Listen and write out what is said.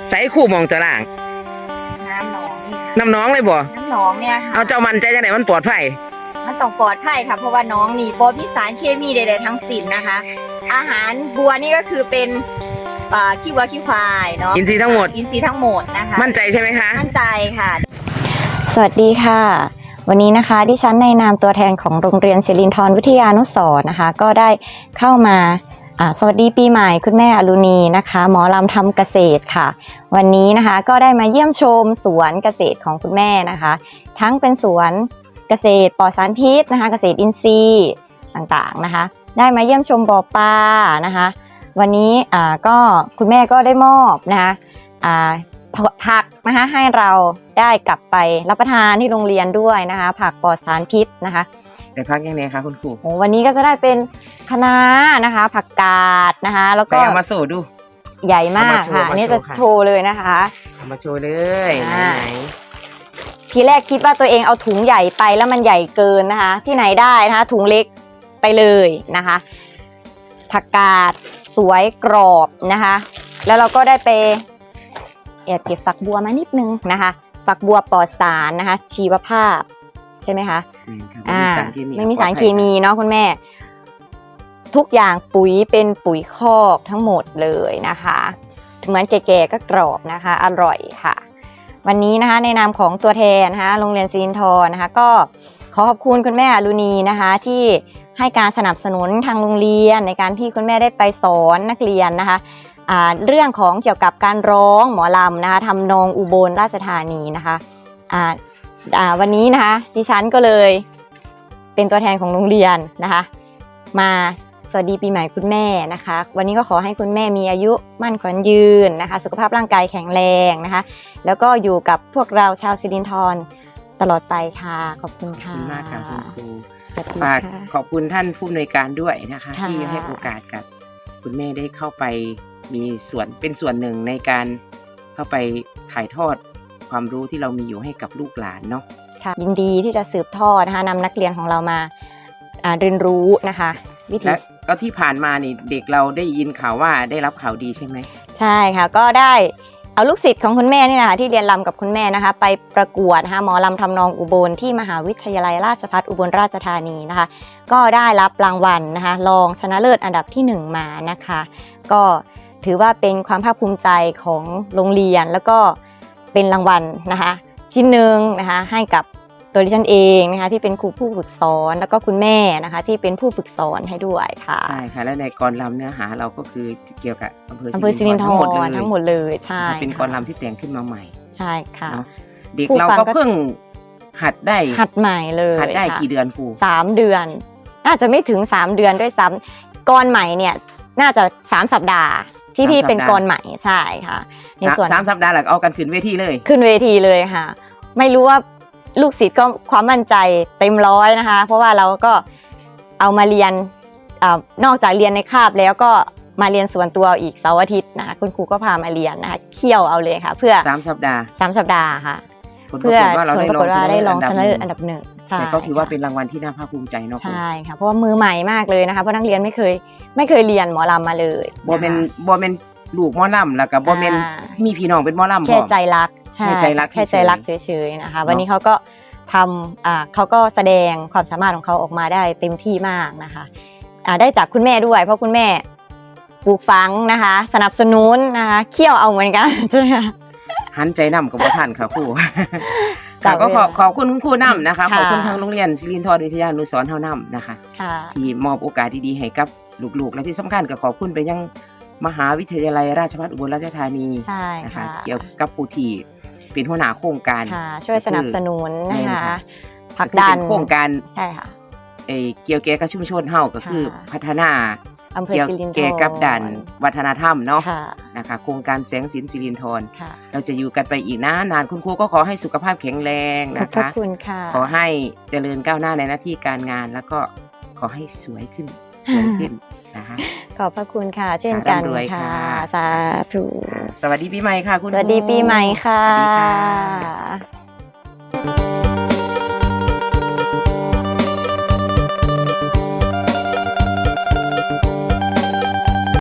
ใส่คู่มองตารางน้ำน้องเลยบ่น้ำหนองเนี่ยเอาเจ้ามันใจจังไหนมันปลอดภัยมันต้องปลอดภัยค่ะเพราะว่าน้องนี่บ่มีสารเคมีใดๆทั้งสิ้นนะคะอาหารบัวนี่ก็คือเป็นขี้วัวขี้ควายเนาะอินทรีย์ทั้งหมดนะคะมั่นใจใช่ไหมคะมั่นใจค่ะสวัสดีค่ะวันนี้นะคะดิฉันในนามตัวแทนของโรงเรียนศิรินทรวิทยานุสรณ์นะคะก็ได้เข้ามาสวัสดีปีใหม่คุณแม่อรุณีนะคะหมอลำทำเกษตรค่ะวันนี้นะคะก็ได้มาเยี่ยมชมสวนเกษตรของคุณแม่นะคะทั้งเป็นสวนเกษตรปลอดสารพิษนะคะเกษตรอินทรีย์ต่างๆนะคะได้มาเยี่ยมชมบ่อปลานะคะวันนี้ก็คุณแม่ก็ได้มอบนะคะผักนะคะให้เราได้กลับไปรับประทานที่โรงเรียนด้วยนะคะผักปลอดสารพิษนะคะแต่พักยังไงคะคุณครูวันนี้ก็จะได้เป็นคะน้านะคะผักกาดนะคะแล้วก็มาโชว์ดูใหญ่มากค่ะนี่จะโชว์เลยนะคะมาโชว์เลยไหนทีแรกคิดว่าตัวเองเอาถุงใหญ่ไปแล้วมันใหญ่เกินนะคะที่ไหนได้นะคะถุงเล็กไปเลยนะคะผักกาดสวยกรอบนะคะแล้วเราก็ได้ไปแอบเก็บฝักบัวมานิดนึงนะคะฝักบัวปลอดสารนะคะชีวภาพใช่ไหมคะไม่มีสารเคมีเนาะคุณแม่ทุกอย่างปุ๋ยเป็นปุ๋ยคอกทั้งหมดเลยนะคะเหมือนแก่ๆก็กรอบนะคะอร่อยค่ะวันนี้นะคะในนามของตัวแทนนะคะโรงเรียนศิรินทรนะคะก็ขอขอบคุณคุณแม่อรุณีนะคะที่ให้การสนับสนุนทางโรงเรียนในการที่คุณแม่ได้ไปสอนนักเรียนนะคะเรื่องของเกี่ยวกับการร้องหมอลำนะคะทำนองอุบลราชธานีนะคะวันนี้นะคะดิฉันก็เลยเป็นตัวแทนของโรงเรียนนะคะมาสวัสดีปีใหม่คุณแม่นะคะวันนี้ก็ขอให้คุณแม่มีอายุมั่นขวัญยืนนะคะสุขภาพร่างกายแข็งแรงนะคะแล้วก็อยู่กับพวกเราชาวศิรินทรตลอดไปค่ะขอบคุณค่ะขอบคุณมากค่ะคุณครูฝากขอบคุณท่านผู้อำนวยการด้วยนะคะที่ให้โอกาสกับคุณแม่ได้เข้าไปมีส่วนเป็นส่วนหนึ่งในการเข้าไปถ่ายทอดความรู้ที่เรามีอยู่ให้กับลูกหลานเนาะค่ะยินดีที่จะสืบทอดนะคะนำนักเรียนของเรามาเรียนรู้นะคะวิธีแล้วที่ผ่านมานี่เด็กเราได้ยินข่าวว่าได้รับข่าวดีใช่ไหมใช่ค่ะก็ได้เอาลูกศิษย์ของคุณแม่นี่แหละค่ะที่เรียนรำกับคุณแม่นะคะไปประกวดนะคะหมอลำทำนองอุบลที่มหาวิทยาลัยราชภัฏอุบลราชธานีนะคะก็ได้รับรางวัลนะคะรองชนะเลิศอันดับที่1มานะคะก็ถือว่าเป็นความภาคภูมิใจของโรงเรียนแล้วก็เป็นรางวัลนะคะชิ้นหนึ่งนะคะให้กับตัวดิฉันเองนะคะที่เป็นครูผู้ฝึกสอนแล้วก็คุณแม่นะคะที่เป็นผู้ฝึกสอนให้ด้วยค่ะใช่ค่ะและในกรรำเนื้อหาเราก็คือเกี่ยวกับอำเภอศิรินทรทั้งหมดเลยใช่เป็นกรรำที่แต่งขึ้นมาใหม่ใช่ค่ะเด็กเราก็เพิ่งหัดใหม่เลยหัดได้กี่เดือนครู 3 เดือนน่าจะไม่ถึง3 เดือนด้วยซ้ำกรใหม่เนี่ยน่าจะ3 สัปดาห์ที่เป็นกรใหม่ใช่ค่ะในส่วน3 สัปดาห์หลังเอากันขึ้นเวทีเลยค่ะไม่รู้ว่าลูกศิษย์ก็ความมั่นใจเต็มร้อยนะคะเพราะว่าเราก็เอามาเรียนนอกจากเรียนในคาบแล้วก็มาเรียนส่วนตัวอีกเสาร์อาทิตย์นะคะคุณครูก็พามาเรียนนะคะเคี่ยวเอาเลยค่ะเพื่อ 3 สัปดาห์ค่ะเพื่อผลปรากฏว่าได้รองชนะเลิศอันดับ1 แต่ก็ถือว่าเป็นรางวัลที่น่าภาคภูมิใจเนาะใช่ค่ะเพราะว่ามือใหม่มากเลยนะคะเพราะนักเรียนไม่เคยเรียนหมอลำมาเลยบ่เป็นลูกหมอลำแล้วก็บ่เป็นมีพี่น้องเป็นหมอลำแค่ใจรักแค่ใจรักเฉยๆนะคะวันนี้เขาก็ทำเขาก็แสดงความสามารถของเขาออกมาได้เต็มที่มากนะคะได้จากคุณแม่ด้วยเพราะคุณแม่ปลูกฝังนะคะสนับสนุนนะคะเคี่ยวเอาเหมือนกันใช่ไหมคะหันใจนำกับท่านค่ะครูก็ขอบคุณครูนำนะคะขอบคุณทางโรงเรียนศิรินทรวิทยานุสรณ์เฮานำนะคะที่มอบโอกาสดีๆให้กับลูกๆและที่สำคัญก็ขอบคุณไปยังมหาวิทยาลัยราชภัฏอุบลราชธานีนะคะเกี่ยวกับผู้ที่เป็นหัวหน้าโครงการช่วยสนับสนุนนะคะผลักดันโครงการใช่ค่ะเกี่ยวกับชุมชนเฮาก็คือพัฒนาเกี่ยวกับด้านวัฒนธรรมเนาะนะคะโครงการแสงสินศิรินทรเราจะอยู่กันไปอีกนานคุณครูก็ขอให้สุขภาพแข็งแรงนะคะขอให้เจริญก้าวหน้าในหน้าที่การงานแล้วก็ขอให้สวยขึ้นนะคะขอบพระคุณค่ะเช่นกันค่ะสาธุสวัสดีปีใหม่ค่ะคุณสวัสดีปีใหม่ค่ะ